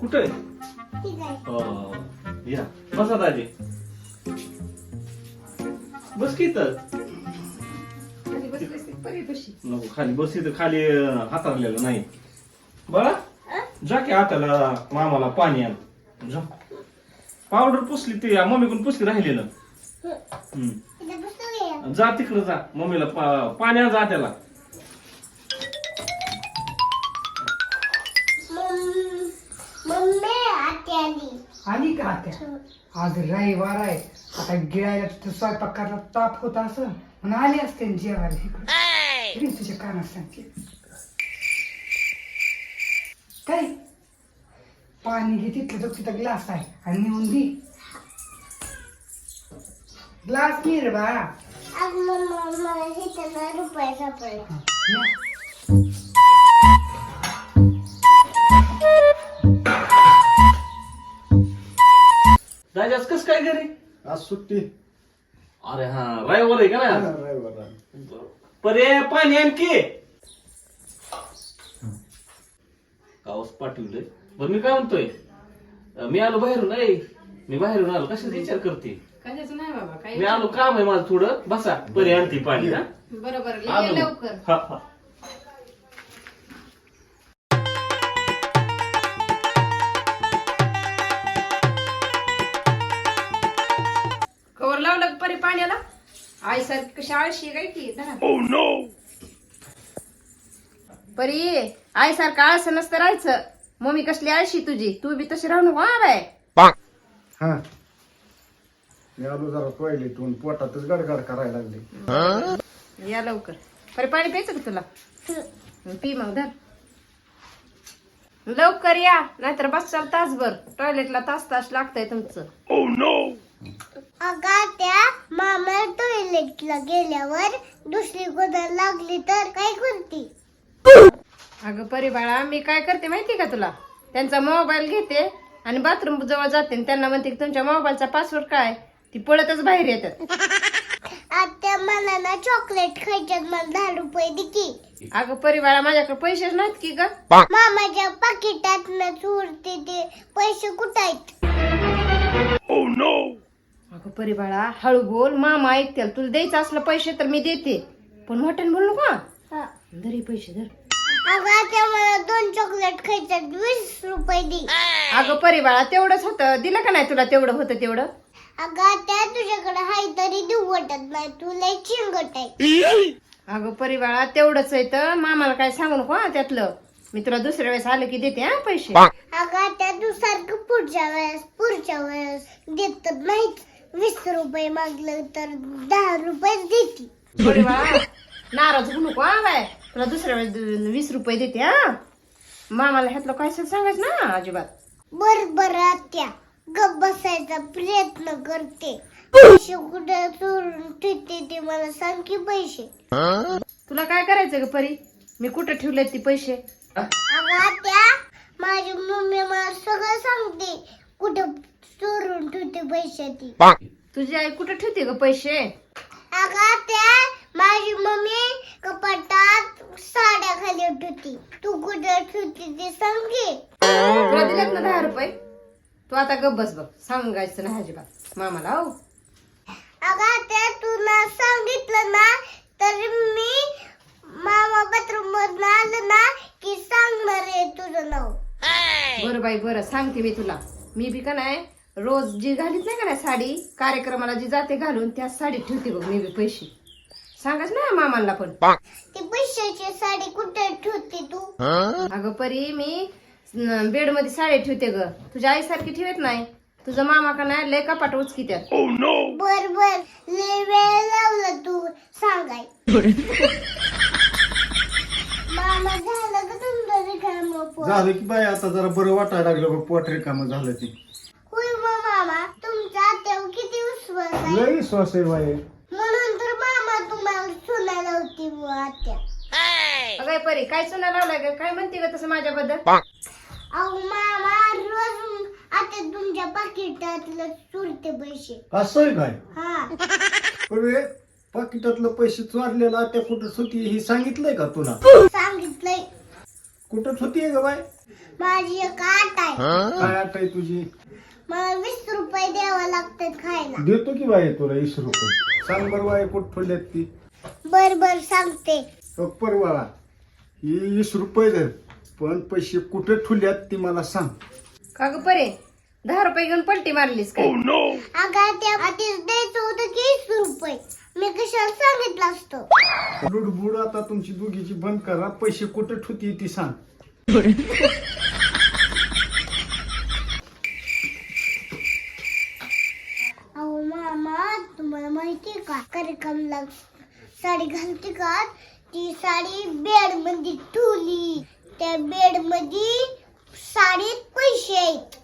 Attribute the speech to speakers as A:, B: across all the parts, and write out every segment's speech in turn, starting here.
A: कुठे या बसा दाजी. बस की तर नको खाली बस इथं खाली हाताळलेलं नाही. बळा जा की हाताला मामाला पाणी आण जा. पावडर पुसली ती मम्मीकडून पुसली राहिलेलं. जा तिकडं जा मम्मीला पाणी आण जा त्याला.
B: आली का आत्या? आज रविवार आहे, आता गिळायला तिथं स्वयंपाक करायला ताप होता असं म्हणून आली असते जेवायला इकडे. तुझ्या कानात सांगते काय पाणी घे तिथलं, तिथं ग्लास आहे आणि नेऊन दे. ग्लास नाही रे बाळा.
C: रुपये सापडले.
A: दाजी आज कस काय घरी?
D: आज सुट्टी.
A: अरे हा रविवार आहे का ना?
D: रविवार.
A: पर्याय पाणी आणखी कावस पाठवलंय. बरं मी काय म्हणतोय, मी आलो बाहेरून. मी बाहेरून आलो, कशाचा विचार करते?
E: कशाचं नाही बाबा, काही
A: मी आलो, काम आहे माझं थोडं. बसा पर्याय आणते पाणी. हा
E: बरोबर ये
A: आलो.
E: लवकर.
A: हा हा
E: कवर लावलं का परी पाण्याला? आई सारखी कशी आळशी काय की धरा. परी आई सारखं आळस नसतं राहायचं. मम्मी कसली आळशी तुझी, तू बी तशी राहू नको. हा बाय
D: हा मी आलो जरा टॉयलेटून, पोटातच गडगड करायला लागले.
E: या लवकर. परी पाणी प्यायचं का तुला? पी मग धर लवकर या, नाहीतर बसाल तासभर. टॉयलेटला तास तास लागतंय तुमचं.
C: अगं त्या मामा टॉयलेटला गेल्यावर दुसरी गोदर लागली तर काय करते?
E: अगं परी बाळा, मी काय करते माहिती का तुला? त्यांचा मोबाईल घेते आणि बाथरूम जवळ जाते आणि त्यांना म्हणते की तुमच्या मोबाईलचा पासवर्ड काय, ती पळतच बाहेर येतात.
C: आता मला ना चॉकलेट खायच्यात, मला 10 रुपये दे की.
E: अगं परी बाळा, माझ्याकडे पैसेच नाहीत की ग.
C: मामाच्या पाकिटात न चोरते ते पैसे कुठं आहेत?
E: अगं परी बाळा, हळू बोल, मामा ऐकतील. तुला द्यायचं असलं पैसे तर मी देते, पण मोठ्याने बोल नको.
C: हा.
E: धर पैसे धर.
C: अगं आता मला 2 चॉकलेट खायच्यात, 20 रुपये दे.
E: अगं परी बाळा, तेवढंच होतं, दिलं का नाही तुला? तेवढं होतं तेवढं.
C: अगं त्या तुझ्याकडे हाय तरी देऊ वाटत नाही, तुला चिंगट आहे.
E: अगं परी बाळा, तेवढंच आहे तर मामाला काय सांगू नको हा त्यातलं. मी तुला दुसऱ्या वेळेस आलं की देते हा पैसे.
C: अगं त्या तू सारखं पुढच्या वेळेस देत नाहीत. 20 रुपये मागलं तर 10 रुपये देते.
E: परी बाळा, नाराज होऊ नको हा बाय. तुला दुसऱ्या वेळेस 20 रुपये देते हा. मामाला ह्यातलं काय सांगायचं ना अजिबात.
C: बर आत्या, गप बसायचा प्रयत्न करते. पैसे कुठे चोरून ठेवते ते मला सांग की. पैसे
E: तुला काय करायचं ग परी? मी कुठं ठेवले ती पैसे?
C: अगं आत्या, माझी मम्मी मला सगळं सांगते कुठं चोरून ठेवते पैसे ती.
E: तुझी आई कुठं ठेवते ग पैसे?
C: अगं आत्या, माझी मम्मी कपाटात साड्या खाली ठेवते. तू कुठं ठेवते ते सांग की.
E: तुला दिलेत ना 10 रुपये? तू आता गप बस बघ, सांगायचं नाही अजिबात मामाला. हो
C: अगं आत्या, तुला सांगितलं ना तर मी मामा बाथरूम मधून आलं ना की सांगणार आहे तुझं नाव.
E: बरं बाई बरं, सांगते मी तुला. मी बी का नाही रोज जी घालीत नाही का नाही साडी, कार्यक्रमाला जी जाते घालून त्या साडीत ठेवते बघ मी बी पैसे. सांगाच ना मामाला पण.
C: ती पैशाची साडी कुठे ठेवते तू?
E: अगं परी, मी बेड मध्ये साडी ठेवते ग. तुझ्या आईसारखी ठेवत नाही. तुझा मामा का नाही लय कपाट उचकी त्यात.
C: बर लय वेळ लावला तू सांगाय. मामा झालं का तुमचं रिकामं पोट?
D: झालं की बाई, आता जरा बरं वाटायला लागलं बघ, पोट रिकामं झालं ती.
C: होय मग मामा, तुमच्या आत्यावर किती विश्वास आहे.
D: लई श्वास आहे बाई.
C: म्हणून तर मामा तुम्हाला सुनायला होती आत्या.
E: अगं परी, काय सुना लावलाय ग? काय म्हणते ग तसं माझ्याबद्दल?
C: अहो मामा, रोज आता तुमच्या पाकिटातलं चोरते पैसे.
D: असं आहे काय?
C: हा.
D: पूर्वी पाकिटातलं पैसे चोरलेला त्या कुठं सुटी ही सांगितलंय का तुला?
C: सांगितलंय.
D: कुठं होतीये ग बाय?
C: माझी एक आट आहे.
D: काय आठ आहे तुझी?
C: मला 20 रुपये द्यावं लागतात खायला.
D: देतो की बाय तुला 20 रुपये. सांग बरं बाय कुठं ठेवल्यात ती?
C: बर बर सांगते.
D: परवा ही 20 रुपये दे, पण पैसे कुठे ठेवल्यात ती मला सांग.
E: का ग परे 10 रुपये घेऊन पलटी मारलीस का?
C: अगं त्या आधीच द्यायचं होतं की 20 रुपये. मी कशाला सांगितलं असतं.
D: लुडबुड आता तुमची दोघीची बंद करा. पैसे कुठे ठेवती ती सांग.
C: अहो मामा, तुम्हाला माहितीये का कार्यक्रमला साडी घालते का? ती साडी बेड मध्ये ठेवली. त्या बेड मध्ये साडीत पैसे आहेत.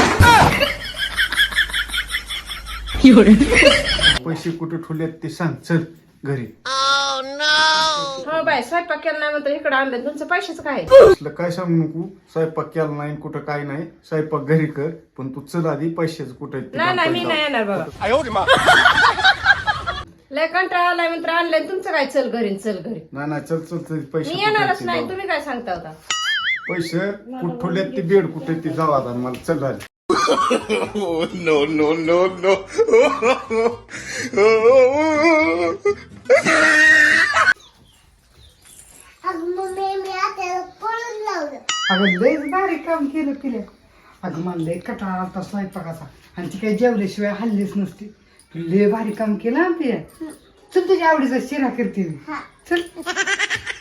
D: पैसे कुठे ठेवल्यात ते सांग. चल घरी.
E: हो बाय स्वयंपाक केला नाही म्हणतो इकडे आणलं तुमचं पैशाचं काय?
D: असलं काय सांगू नको. स्वयंपाक केला नाही कुठं काय नाही. स्वयंपाक घरी कर, पण तू चल आधी पैशाचं कुठे आहेत ते
E: नाही नाही मी
D: दाखव.
E: नाही येणार बाबा. लय कंटाळा आलाय म्हणतो आणलंय तुमचं काय? चल घरी चल घरी.
D: नाही नाही चल चल चल. पैसे
E: मी
D: कुठे आहेत
E: येणारच
D: ते
E: नाही.
D: जाऊ.
E: तुम्ही काय सांगता होता?
D: पैसे कुठे ठेवल्यात ते बेड कुठे ते जाऊ आता मला. चल आधी.
C: अगं मम्मी, मी आता पळून लावलं.
B: अगं लयच भारी काम केलं पिल्या. अगं मला लय कटाळा आलता स्वयंपाकाचा, आणि ती काही जेवल्याशिवाय हल्लीच नसते. तू लय भारी काम केलं ना पिल्या. चल तुझ्या आवडीचा शिरा करते मी.
C: हा.
B: चल.